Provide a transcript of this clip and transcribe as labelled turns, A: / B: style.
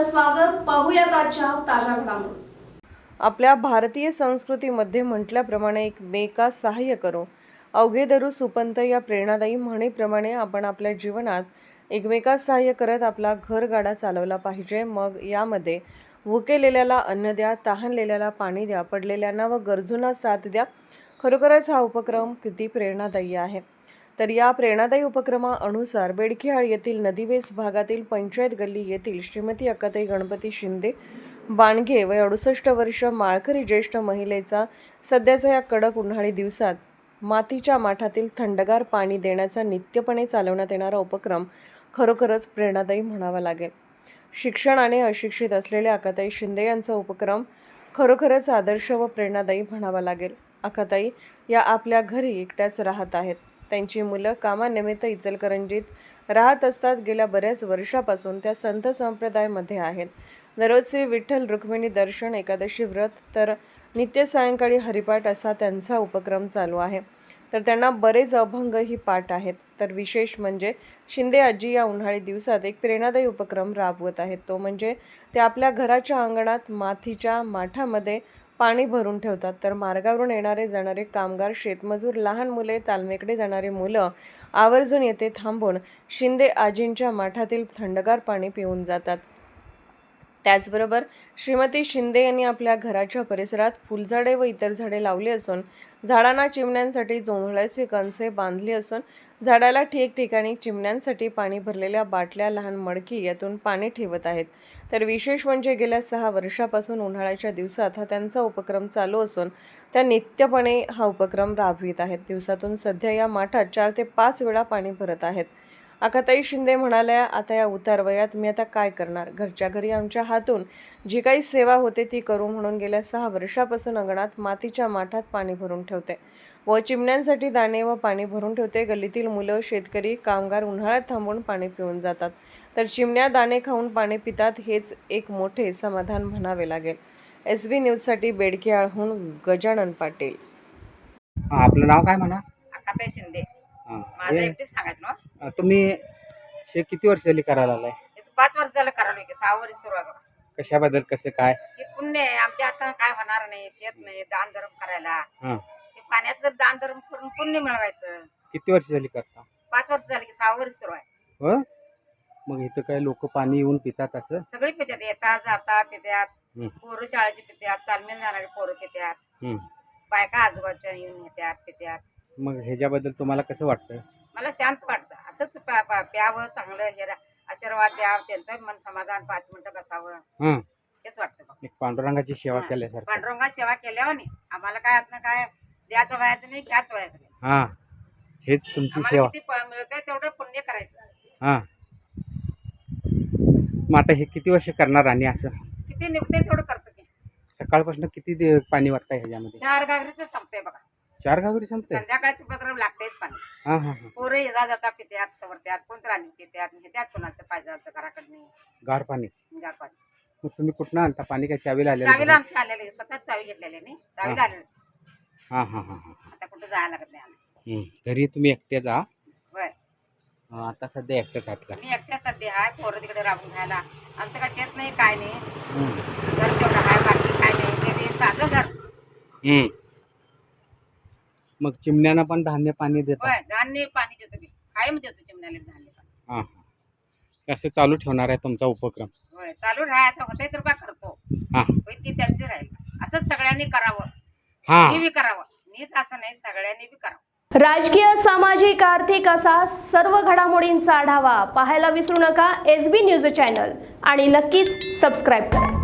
A: आपलं स्वागत. पाहूयात आजच्या ताज्या घडामोडी.
B: आपल्या भारतीय संस्कृतीमध्ये म्हटल्याप्रमाणे एकमेकास सहाय्य करो अवघे धरू सुपंत या प्रेरणादायी म्हणीप्रमाणे आपण आपल्या जीवनात एकमेकास सहाय्य करत आपला घरगाडा चालवला पाहिजे. मग यामध्ये भुकेलेल्याला अन्न द्या, तहानलेल्याला पाणी द्या, पडलेल्यांना व गरजूंना साथ द्या. खरोखरच हा उपक्रम किती प्रेरणादायी आहे. तर या प्रेरणादायी उपक्रमानुसार बेडकिहाळ येथील नदीवेस भागातील पंचायत गल्ली येथील श्रीमती अक्काताई गणपती शिंदे बाणगे वय 68 वर्ष माळकरी ज्येष्ठ महिलेचा सध्याच्या या कडक उन्हाळी दिवसात मातीच्या माठातील थंडगार पाणी देण्याचा नित्यपणे चालवण्यात येणारा उपक्रम खरोखरच प्रेरणादायी म्हणावा लागेल. शिक्षणाने अशिक्षित असलेल्या अक्काताई शिंदे यांचा उपक्रम खरोखरच आदर्श व प्रेरणादायी म्हणावा लागेल. अक्काताई या आपल्या घरी एकट्याच राहत आहेत. त्यांची मुलं कामानिमित्त इचलकरंजीत राहत असतात. गेल्या बऱ्याच वर्षापासून त्या संत संप्रदायामध्ये आहेत. दररोज श्री विठ्ठल रुक्मिणी दर्शन, एकादशी व्रत तर नित्य सायंकाळी हरिपाठ असा त्यांचा उपक्रम चालू आहे. तर त्यांना बरेच अभंगही पाठ आहेत. तर विशेष म्हणजे शिंदे आजी या उन्हाळी दिवसात एक प्रेरणादायी उपक्रम राबवत आहेत. तो म्हणजे ते आपल्या घराच्या अंगणात मातीच्या माठामध्ये पाणी भरून ठेवतात. तर मार्गावरून येणारे जाणारे कामगार, शेतमजूर, लहान मुले, तालमेकडे जाणारे मुलं आवर्जून येथे थांबून शिंदे आजींच्या माठातील थंडगार पाणी पिऊन जातात. त्याचबरोबर श्रीमती शिंदे यांनी आपल्या घराच्या परिसरात फुलझाडे व इतर झाडे लावली असून झाडांना चिमण्यांसाठी जोंधळ्याचे कणसे बांधली असून झाडाला ठिकठिकाणी चिमण्यांसाठी पाणी भरलेल्या बाटल्या, लहान मडकी यातून पाणी ठेवत आहेत. तर विशेष म्हणजे गेल्या 6 वर्षापासून उन्हाळ्याच्या दिवसात हा त्यांचा उपक्रम चालू असून त्या नित्यपणे हा उपक्रम राबवित आहेत. दिवसातून सध्या या माठात 4 ते 5 वेळा पाणी भरत आहेत. अक्काताई शिंदे म्हणाल्या, आता या उतार वयात मी आता काय करणार? घरच्या घरी आमच्या हातून जी काही सेवा होते ती करू म्हणून गेल्या 6 वर्षापासून अंगणात मातीच्या माठात पाणी भरून ठेवते व चिमण्यांसाठी दाणे व पाणी भरून ठेवते. गल्लीतील मुलं, शेतकरी, कामगार उन्हाळ्यात थांबून पाणी पिऊन जातात. तर चिमण्या दाणे खाऊन पाणी पितात. हेच एक मोठे समाधान म्हणावे लागेल. SB न्यूजसाठी बेडकिहाळहून गजानन पाटील.
C: आपलं नाव काय म्हणा?
D: अक्काताई शिंदे.
C: हां.
D: माझं एकटीच सांगायचं ना.
C: तुम्ही हे किती वर्ष झाली करायला आलाय?
D: 5 वर्ष झालं करायला की 6 वर्ष सुरू आहे बघा.
C: कशाबद्दल, कसं काय?
D: हे पुण्य आहे आमच्या हातानं, काय होणार नाही. शेत नाही, दान धर्म करायला.
C: हां.
D: हे पाण्याचं जर दान धर्म करून पुण्य मिळवायचं.
C: किती वर्ष झाली करता?
D: 5 वर्ष झाली की 6 वर्ष सुरू आहे.
C: हो. मग इथं काय लोक पाणी येऊन पितात असं?
D: सगळी पित्यात, येतात जातात पित्यात.
C: हं.
D: पोरं शाळेची पित्यात, तालमेल जाणारे पोरं पित्यात.
C: हं.
D: बायका आजूबाजूच्या येऊन येतात पित्यात.
C: मग ह्याच्याबद्दल तुम्हाला कसं वाटतं?
D: मला शांत वाटतं. असंच प्यावं, चांगलं हे आशीर्वाद द्यावं, त्यांचं मन समाधान 5 मिनिटं बसावं,
C: हां.
D: हेच वाटतं बघ.
C: एक पांडुरंगाची सेवा केल्यासारखं.
D: पांडुरंगा सेवा केल्यावर नाही आम्हाला काय आतनं काय द्यायचं व्हायचं नाही, घ्यायचं व्हायचं नाही.
C: हां. हेच तुमची
D: आम्हाला
C: सेवा.
D: किती मिळतंय तेवढं पुण्य करायचं.
C: हां. मग आता हे किती वर्ष करणार आणि असं?
D: किती निघतंय तेवढं करतो की.
C: सकाळपासून किती पाणी वाटतंय ह्याच्यामध्ये?
D: 4 घागरीच संपतंय बघा.
C: 4 घागरी संपते?
D: संध्याकाळी ते पत्र लागतेच पाणी.
C: हां हां हां.
D: पोरं येता जाता पित्यात, सवरत्यात, कोणतं राणी पित्यात, नेत्यात कोणाचं पाहिजे घराकडनं
C: गार पाणी.
D: गार पाणी.
C: मग तुम्ही कुठनं आणता पाणी? काय चावीला आलेलं?
D: चावीला आमच्या आलेले, स्वतःच चावी घेतलेली नाही, चावीला आलेलं.
C: हां हां हां हां.
D: आता कुठं जायला लागत नाही आम्हाला.
C: घरी तुम्ही एकटेच आहात?
D: होय,
C: आता सध्या एकटेच आहात का?
D: मी एकट्या सध्या आहे. पोरं तिकडे राबून खायला. आमचं काय शेत नाही, काय नाही. घर तेवढं आहे, बाकी काय नाही. ते बी साधं घर.
C: मग चिमण्यांना पण धान्य पाणी देतात?
D: होय, धान्य पाणी देतो की. कायम देतो चिमण्याला धान्य पाणी.
C: हां हां. कसं चालू ठेवणार आहे तुमचा उपक्रम?
D: होय, चालू राहायचं होतंय तर बा करतो.
C: हां
D: होय, ती त्याची राहील. असंच सगळ्यांनी करावं.
C: हां.
D: मी बी करावं. मीच असं नाही, सगळ्यांनी बी करावं.
A: राजकीय, सामाजिक, आर्थिक असा सर्व घडामोडींचा आढावा पाहायला विसरू नका SB न्यूज चॅनल आणि नक्कीच सबस्क्राईब करा.